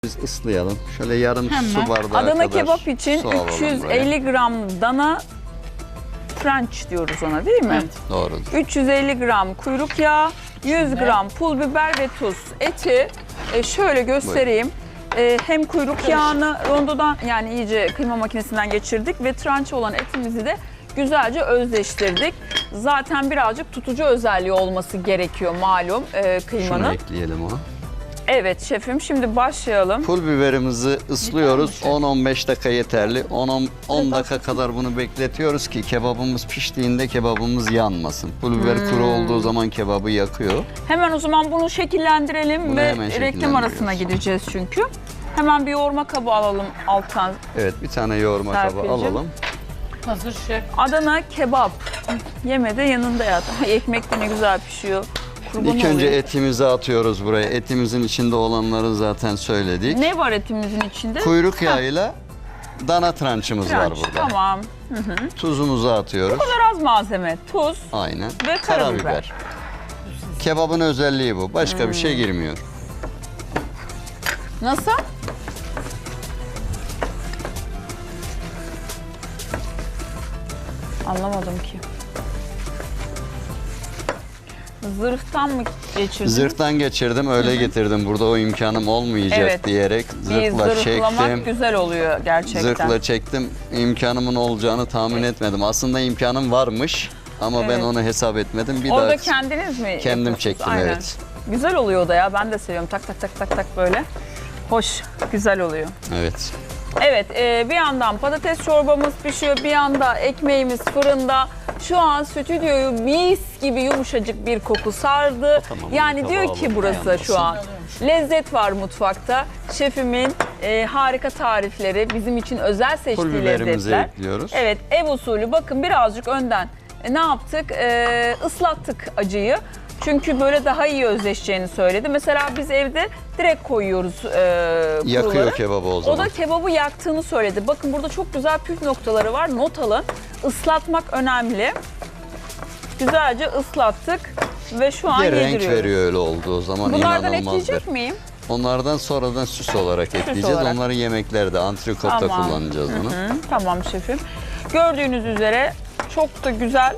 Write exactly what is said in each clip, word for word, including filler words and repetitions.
Biz ıslayalım. Şöyle yarım Hemen. su bardağı Adana kadar kebap için su alalım üç yüz buraya. elli gram dana French diyoruz ona, değil mi? Evet. Doğrudur. üç yüz elli gram kuyruk yağı, yüz gram pul biber ve tuz. Eti e, şöyle göstereyim. E, hem kuyruk yağını rondodan, yani iyice kıyma makinesinden geçirdik ve tranche olan etimizi de güzelce özleştirdik. Zaten birazcık tutucu özelliği olması gerekiyor malum e, Şunu kıymanın. ekleyelim ona. Evet şefim, şimdi başlayalım. Pul biberimizi ıslıyoruz. on on beş dakika yeterli. on on dakika kadar bunu bekletiyoruz ki kebabımız piştiğinde kebabımız yanmasın. Pul biber Hmm. kuru olduğu zaman kebabı yakıyor. Hemen o zaman bunu şekillendirelim Bunu ve hemen reklam şekillendiriyoruz. arasına gideceğiz çünkü. Hemen bir yoğurma kabı alalım alttan. Evet, bir tane yoğurma kabı Serpil'cim. alalım. Hazır şef. Adana kebap. Yeme de yanında yat. Ay, ekmek de ne güzel pişiyor. Kurban İlk önce olayım. etimizi atıyoruz buraya. Etimizin içinde olanları zaten söyledik. Ne var etimizin içinde? Kuyruk yağıyla dana trançımız var Tranç. burada. Tamam. Tuzumuzu atıyoruz. Biraz malzeme. Tuz. Aynen. Ve karabiber. Kebabın özelliği bu. Başka bir Hmm. şey girmiyor. Nasıl? Anlamadım ki. Zırhtan mı geçirdin? Zırhtan geçirdim, öyle getirdim. Burada o imkanım olmayacak Evet. diyerek Bir zırhla zırhlamak çektim. güzel oluyor gerçekten. Zırhla çektim. İmkanımın olacağını tahmin etmedim. Aslında imkanım varmış ama ben Evet. onu hesap etmedim. Bir Orada daha kendiniz mi kendim yapıyorsunuz? çektim, Aynen. evet. Güzel oluyor o da ya. Ben de seviyorum. Tak tak tak tak tak böyle. Hoş, güzel oluyor. Evet. Evet, e, bir yandan patates çorbamız pişiyor, bir yanda ekmeğimiz fırında. Şu an stüdyoyu mis gibi yumuşacık bir koku sardı. Tamam, yani tabağı diyor ki alalım, burası şu an. Lezzet var mutfakta. Şefimin e, harika tarifleri, bizim için özel Pul seçtiği biberimizi lezzetler. ekliyoruz. Evet, ev usulü. Bakın birazcık önden e, ne yaptık? E, ıslattık acıyı. Çünkü böyle daha iyi özleşeceğini söyledi. Mesela biz evde direkt koyuyoruz e, Yakıyor kuruları. kebabı o O zaman. da kebabı yaktığını söyledi. Bakın burada çok güzel püf noktaları var. Not alın. Islatmak önemli. Güzelce ıslattık ve şu an Bir renk yediriyoruz. veriyor öyle olduğu zaman. Bunlardan inanılmaz ekleyecek bir. miyim? Onlardan sonradan süs olarak ekleyeceğiz. olarak. Onları yemeklerde, antrikotta Tamam. kullanacağız bunu. Hı, tamam şefim. Gördüğünüz üzere çok da güzel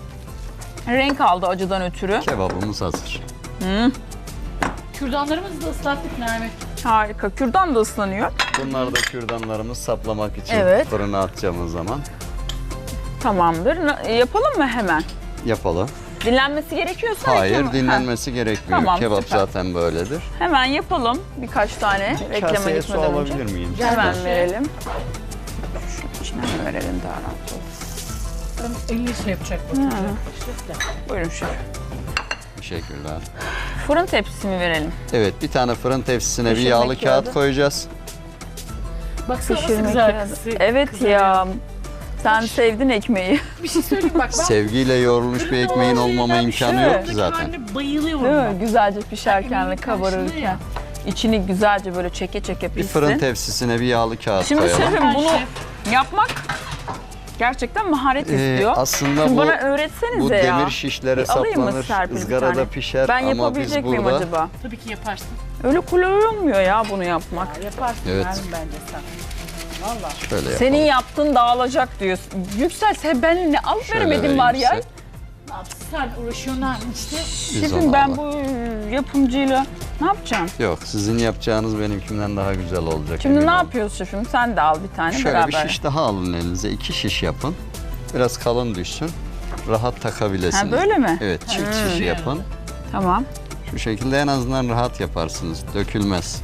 renk aldı acıdan ötürü. Kebabımız hazır. Kürdanlarımızı da ıslattık Nermin. Harika. Kürdan da ıslanıyor. Bunlar da kürdanlarımız saplamak için Evet. fırına atacağımız zaman Tamamdır. Na- Yapalım mı hemen? yapalım. Dinlenmesi gerekiyorsa Hayır, reklam- dinlenmesi gerekmiyor. Tamam, Kebap süper. zaten böyledir. Ha, hemen yapalım birkaç tane reklama Kaseye su gitmeden önce. alabilir miyim? Hemen Gel. verelim. Şunun içine mi verelim daha rahat olsun. elli şey yapacak bakın. Şef de. Buyurun şef. Teşekkürler. Fırın tepsisi mi verelim? Evet, bir tane fırın tepsisine bir Pişirmek yağlı kağıt kağıdı. koyacağız. Baksana nasıl Pişirmek güzel kağıdı. kızı. Evet kızarıyor. ya. Sen sevdin ekmeği. Bir şey söyleyeyim bak ben. Sevgiyle yoğrulmuş bir ekmeğin olmama imkanı yok ki zaten. Zaten. Bayılıyorum. Değil mi? bak. Güzelce pişerken ve Ekmeğin karşılığı kabarırken. ya. İçini güzelce böyle çeke çeke Bir pişsin. fırın tepsisine bir yağlı kağıt Şimdi koyalım. şefim Ben bunu şef. yapmak gerçekten maharet Ee, istiyor. aslında Şimdi bu, bana öğretsenize bu ya. demir şişlere Bir alayım mı saplanır, Serpil bir ızgarada tane? pişer Ben ama biz yapabilecek miyim burada acaba? Tabii ki yaparsın. Öyle kolay olmuyor ya bunu yapmak. Yaparsın Evet. Nermin bence sen. Valla. şöyle yapalım. Senin yaptığın dağılacak diyorsun. Yüksel sen benimle ne alıp Şöyle veremedin vereyim var ya. size. Ne yapsın sen uğraşıyorsun Nermin işte. Biz Şefim onu ben alalım. bu yapımcıyla ne yapacağım? Yok, sizin yapacağınız benimkinden daha güzel olacak. Şimdi emin ne olun. yapıyoruz şefim? Sen de al bir tane Şöyle beraber. bir şiş daha alın elinize. İki şiş yapın. Biraz kalın düşsün. Rahat takabilirsiniz. Ha, böyle mi? Evet, çift Hmm. şiş yapın. Tamam. Şu şekilde en azından rahat yaparsınız. Dökülmez.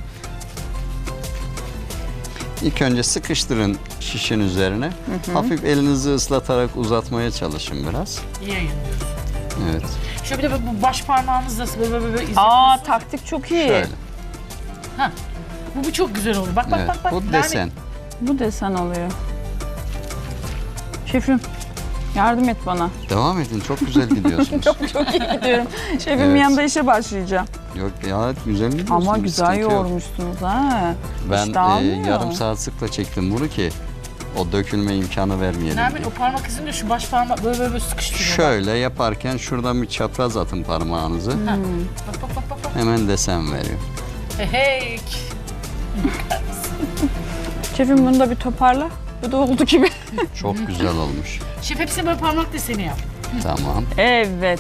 İlk önce sıkıştırın şişin üzerine. Hafif elinizi ıslatarak uzatmaya çalışın biraz. İyi yayınlıyorsun. Evet. Şöyle bir de bu baş parmağımızla böyle böyle böyle Aa izliyorsun. taktik çok iyi. Şöyle. Ha. Bu, bu çok güzel olur. Bak bak Evet. bak. bak. Bu Nermin, desen. Bu desen oluyor. Şefim yardım et bana. Devam edin. Çok güzel gidiyorsunuz. Çok çok iyi gidiyorum. Şefim Evet. yanında işe başlayacağım. Yok ya, güzel gidiyorsunuz. Ama bir güzel sıkıntı yok. yoğurmuşsunuz ha. Ben İş e, dağılmıyor. yarım saat sıkla çektim bunu ki o dökülme imkanı vermeyelim Nermin diye. o parmak izini de şu baş parmak böyle böyle, böyle sıkıştırıyor. bak. Şöyle yaparken şuradan bir çapraz atın parmağınızı. Bak bak bak bak. bak. Hemen desen veriyor. Hey hey. Şefim bunu da bir toparla. Bu da oldu gibi. Çok güzel olmuş. Şef hepsini böyle parmak deseni yap. Tamam. Evet.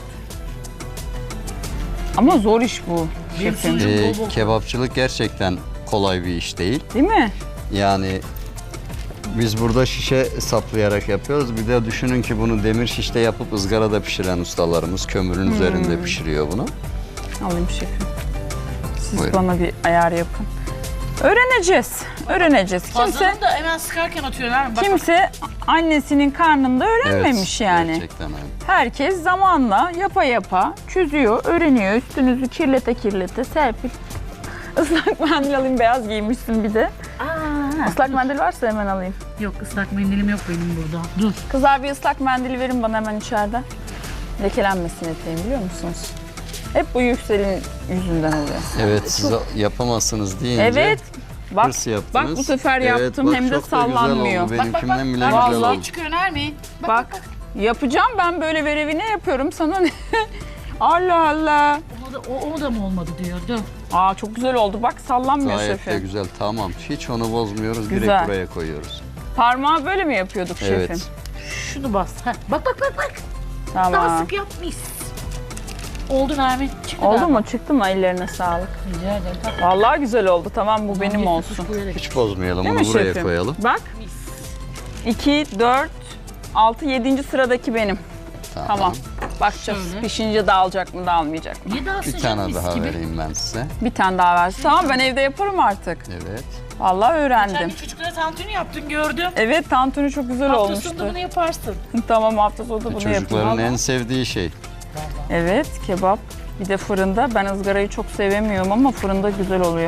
Ama zor iş bu Benim şefim. sunucum Ee, bol bol. kebapçılık gerçekten kolay bir iş değil. Değil mi? Yani biz burada şişe saplayarak yapıyoruz. Bir de düşünün ki bunu demir şişte yapıp ızgarada pişiren ustalarımız kömürün üzerinde pişiriyor bunu. Alayım şefim. Siz Buyurun. bana bir ayar yapın. Öğreneceğiz. Öğreneceğiz. Kimse Fazlanı da hemen sıkarken atıyorlar. Bak, bak. kimse annesinin karnında öğrenmemiş yani. Gerçekten öyle. Herkes zamanla yapa yapa çözüyor, öğreniyor. Üstünüzü kirlete kirlete Serpil. Islak mendil alayım, beyaz giymişsin bir de. Aa, Islak mendil varsa hemen alayım. yok ıslak mendilim yok benim burada. Dur. Kızlar bir ıslak mendil verin bana hemen içeride. Lekelenmesin eteğim biliyor musunuz? Hep bu Yüksel'in yüzünden oluyor. Evet, siz yapamazsınız deyince Evet. Bak, hırs yaptınız. bak bu sefer Evet, yaptım bak hem de çok da güzel sallanmıyor. oldu. Bak bak bak. Benimkinden bile Bak, güzel Vallahi oldu. çıkıyor Nermin. Bak, Bak, bak, bak. yapacağım ben böyle verevine yapıyorum sana ne? Allah Allah. O da, o, o da mı olmadı diyor. Dur. Aa çok güzel oldu bak sallanmıyor Gayet de şefim. güzel. Tamam. Hiç onu bozmuyoruz. Güzel. Direkt buraya koyuyoruz. Parmağı böyle mi yapıyorduk Evet. şefim? Şunu bas. Heh. Bak bak bak bak. Daha Tamam. sık yapmış. Oldu Nermin. Çıktı Oldu daha. mu? Çıktı mı? Ellerine sağlık. Rica ederim. Bak. Vallahi güzel oldu. Tamam bu benim Bir olsun. kuş buraya da- Hiç bozmayalım. Değil Onu mi buraya şefim? koyalım. Bak. Mis. iki, dört, altı, yedinci sıradaki benim. Tamam. Tamam. Bakacağız. Şöyle. Pişince dağılacak mı dağılmayacak mı? Niye daha Bir sıcak tane mis daha gibi? vereyim ben size. Bir tane daha versin. Tamam ben evde yaparım artık. Evet. Vallahi Sen öğrendim. bir çocuklara tantuni yaptın gördüm. Evet tantuni çok güzel Hafta olmuştu. sonunda bunu yaparsın. Tamam hafta sonu da bunu Çocukların yapayım. en sevdiği şey. Evet kebap. Bir de fırında. Ben ızgarayı çok sevemiyorum ama fırında güzel oluyor.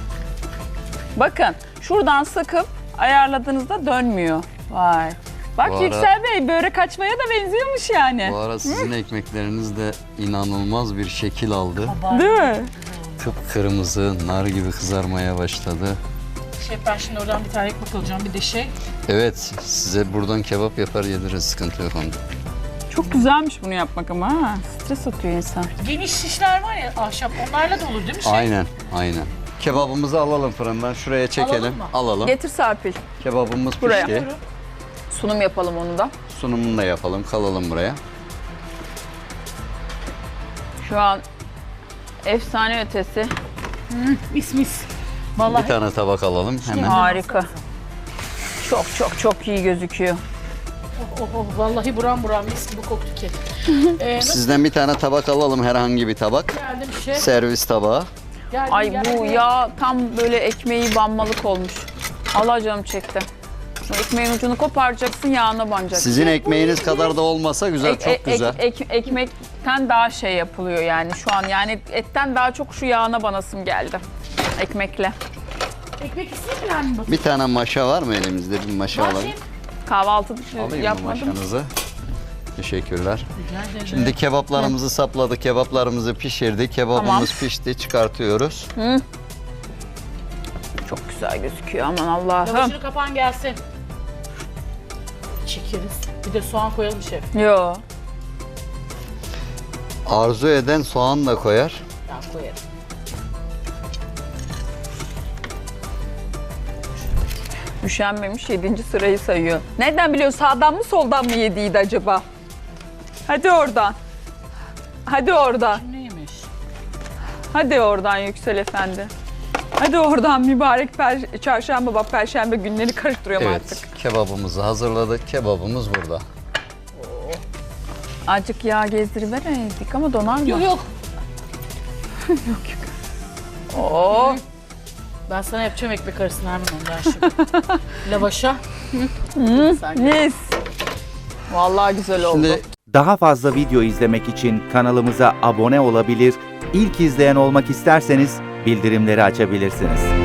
Bakın şuradan sıkıp ayarladığınızda dönmüyor. Vay. Bak Bu ara- Yüksel Bey börek açmaya da benziyormuş yani. Bu ara sizin ekmekleriniz de inanılmaz bir şekil aldı. Değil mi? Kıpkırmızı, nar gibi kızarmaya başladı. Şef ben şimdi oradan bir tane ekmek alacağım bir de şey. Evet, size buradan kebap yapar yediririz. Sıkıntı yok onda. Çok güzelmiş bunu yapmak ama ha. Stres atıyor insan. Geniş şişler var ya ahşap onlarla da olur değil mi şef? Aynen, aynen. Kebabımızı alalım fırından. Şuraya çekelim. Alalım mı? Alalım. Getir Serpil. Kebabımız Buraya. pişti. Sunum yapalım onu da. Sunumunu da yapalım. Kalalım buraya. Şu an efsane ötesi. Mis mis. Vallahi Bir tane tabak alalım hemen. Harika. Çok çok çok iyi gözüküyor. oh, oh, oh, vallahi buram buram mis gibi koktu ki. Ee, nasıl Sizden bir tane tabak alalım, herhangi bir tabak. geldim şef? Servis tabağı. Geldim, Ay geldim. bu yağ tam böyle ekmeği banmalık olmuş. Allah canım çekti. Bu ekmeğin ucunu koparacaksın yağına banacaksın. Sizin ekmeğiniz kadar da olmasa güzel, Ek- çok ek- güzel. ek- ekmekten daha şey yapılıyor yani şu an. Yani etten daha çok şu yağına banasım geldi. Ekmekle. Ekmek isteyeyim mi? Bir tane maşa var mı elimizde? Bir maşa Var alayım. şef. Kahvaltı Alayım mı yapmadım. maşanızı? Teşekkürler. Rica ederim. Şimdi kebaplarımızı sapladık, kebaplarımızı pişirdik. Kebabımız Tamam. pişti, çıkartıyoruz. Çok güzel gözüküyor aman Allah'ım. Lavaşını kapan gelsin. Çekeriz. Bir de soğan koyalım şef. Yo. Arzu eden soğan da koyar. Ben koyarım. Üşenmemiş yedinci sırayı sayıyor. Nereden biliyor sağdan mı soldan mı yediydi acaba? Hadi oradan. Hadi oradan. Neymiş? Hadi oradan Yüksel Efendi. Hadi oradan mübarek per- çarşamba bak perşembe günleri karıştırıyorum Evet, artık. kebabımızı hazırladık. Kebabımız burada. Azıcık yağ gezdirivereydik ama donar mı? Yok yok. Oo. Ben sana yapacağım ekmek arasını hemen ondan şimdi. Lavaşa. Sen Mis. Vallahi güzel oldu. Şimdi Daha fazla video izlemek için kanalımıza abone olabilir, ilk izleyen olmak isterseniz bildirimleri açabilirsiniz.